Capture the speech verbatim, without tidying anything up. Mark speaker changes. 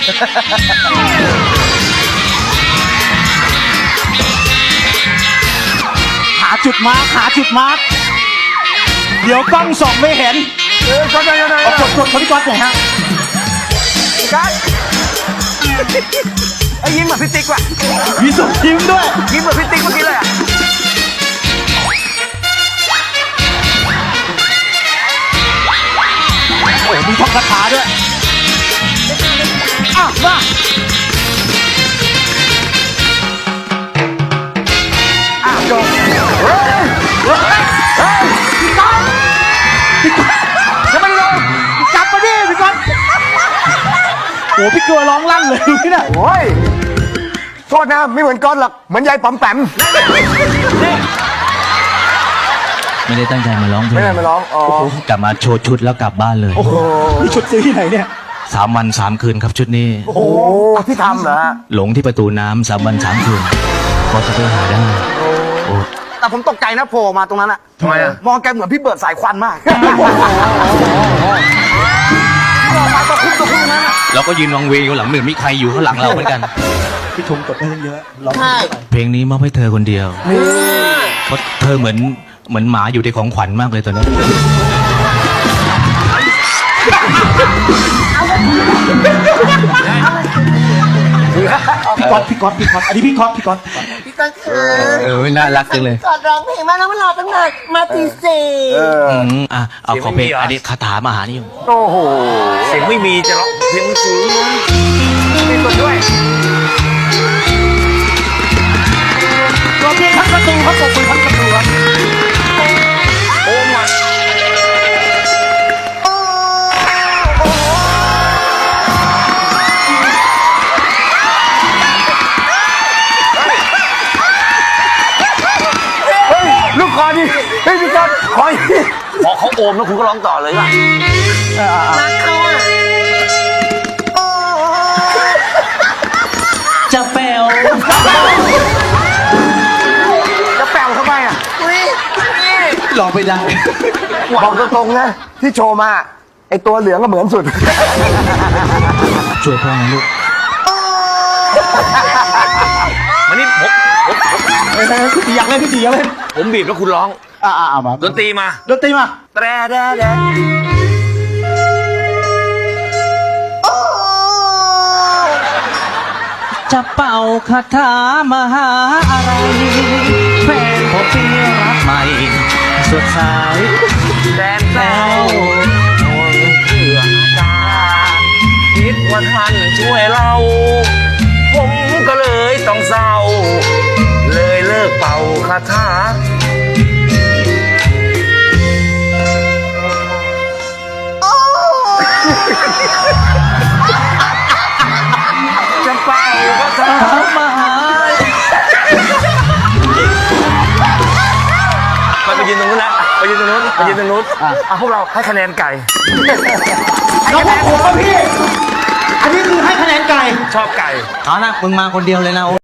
Speaker 1: หาจุดมาร์คหาจุดมาร์คเดี๋ยวกล้องส่องไม่เห็นเออก็ได้ก็ได้กดกดคนที่ก๊อตหน่อยฮะก๊อตไอ้ยิ้มเหมือนพี่ติ๊กว่ะมีส่งยิ้มด้วยยิ้มเหมือนพี่ติ๊กเมื่อกี้เลยอ่ะโอ้มีท่องคาถาด้วยอ่ะมาอ่ะจบเฮ้ยเฮ้ยเฮ้ยพี่ก๊อตพี่ก๊อตจะไม่ลงกลับมาดิพี่ก๊อตโอ้พี่เกลือร้องลั่นเลยดูนี่นะโอ้ยโทษนะไม่เหมือนก๊อตหรอกเหมือนยายป๋อมแปม
Speaker 2: ไม่ได้ตั้งใจมาร้องเพลง
Speaker 1: ไม่ได้มาร้องอ๋
Speaker 2: อกลับมาโชว์ชุดแล้วกลับบ้านเลย
Speaker 1: โอ้โหนี่ชุดซื้อที่ไหนเนี่ย
Speaker 2: สามวันสามคืนครับชุดนี้
Speaker 1: โอ้โหที่ทำเหรอ
Speaker 2: หลงที่ประตูน้ำสามวันสามคืนพอจะไปหาได้โอ้
Speaker 1: แต่ผมตกใจนะโผล่มาตรงนั้นอะทำไมอะมองแกเหมือนพี่เบิร์ดสายควันมากมองมาตะคุ่มตะคุ่มนั้นอะ
Speaker 2: เราก็ยืนวังเวงอยู่หลังเหมือนมีใครอยู่ข้างหลังเราเหมือนกัน
Speaker 1: พี่ชมกดได้เยอะร้อง
Speaker 2: เพลงนี้มอบให้เธอคนเดียวเพราะเธอเหมือนเหมือนหมาอยู่ในของขวัญมากเลยตอนนี้
Speaker 1: พี่ก๊อตพี่ก๊อตพี่ก๊อตอันนี้พี่ก๊อตพี่ก๊อต
Speaker 3: พี่ก๊อตคือ
Speaker 2: เออน่ารักจังเลย
Speaker 3: กอดร้องเพลงมาแล้วมันรอตั้งนานมาตีสี่
Speaker 2: อืมอ่ะเอาขอเพลงอันนี้คาถามหานิยม
Speaker 1: โอ้โห
Speaker 4: เสียงไม่มีจะร้องเสียงสูง
Speaker 1: มีตัวด้วยตัวเพลงทั้งประตูครับตัวเพลงทั้งประตูครับโอ้มาลูกคอดิเฮ้ยพี่ก๊อตคอย
Speaker 4: พอเขาโอมแล้วคุณก็ร้องต่อเลยป่ะ
Speaker 3: รักเขาอ่ะ
Speaker 2: จะแปลว
Speaker 1: จะแปลวทำไมอ่ะ
Speaker 2: ลองไปได้
Speaker 1: บอกตรงๆนะที่โชว์มาไอตัวเหลืองก็เหมือนสุด
Speaker 2: ช่วยพ่อนะลูก
Speaker 4: วันนี้ผมผมผม
Speaker 1: พี่ตีอยากเล่นพี่ตีอยากเล่น
Speaker 4: ผมบีบแล้วคุณร้อง
Speaker 1: อ่าอ่ามา
Speaker 4: ดนตรีมา
Speaker 1: ดนตรีมา
Speaker 4: แตรแดแด
Speaker 2: จะเป่าคาถามหาอะไรแฟนผมเปียรักใหม่สดใส
Speaker 4: แดนแซวโดนเพื่ออาการคิดว่าท่านช่วยเราผมก็เลยต้องเศร้าเลยเลิกเป่าคาถา
Speaker 1: จะเป่าคาถามาหา
Speaker 4: ไปยืนตรงนู้นนะไปยืนตรงนู้นไปยืนตรงนู้นอ่ะพวกเราให้คะแนนไก่
Speaker 1: น้องพวกผมพี่อันนี้คือให้คะแนนไก่
Speaker 4: ชอบไก่
Speaker 2: เอานะมึงมาคนเดียวเลยนะโอ้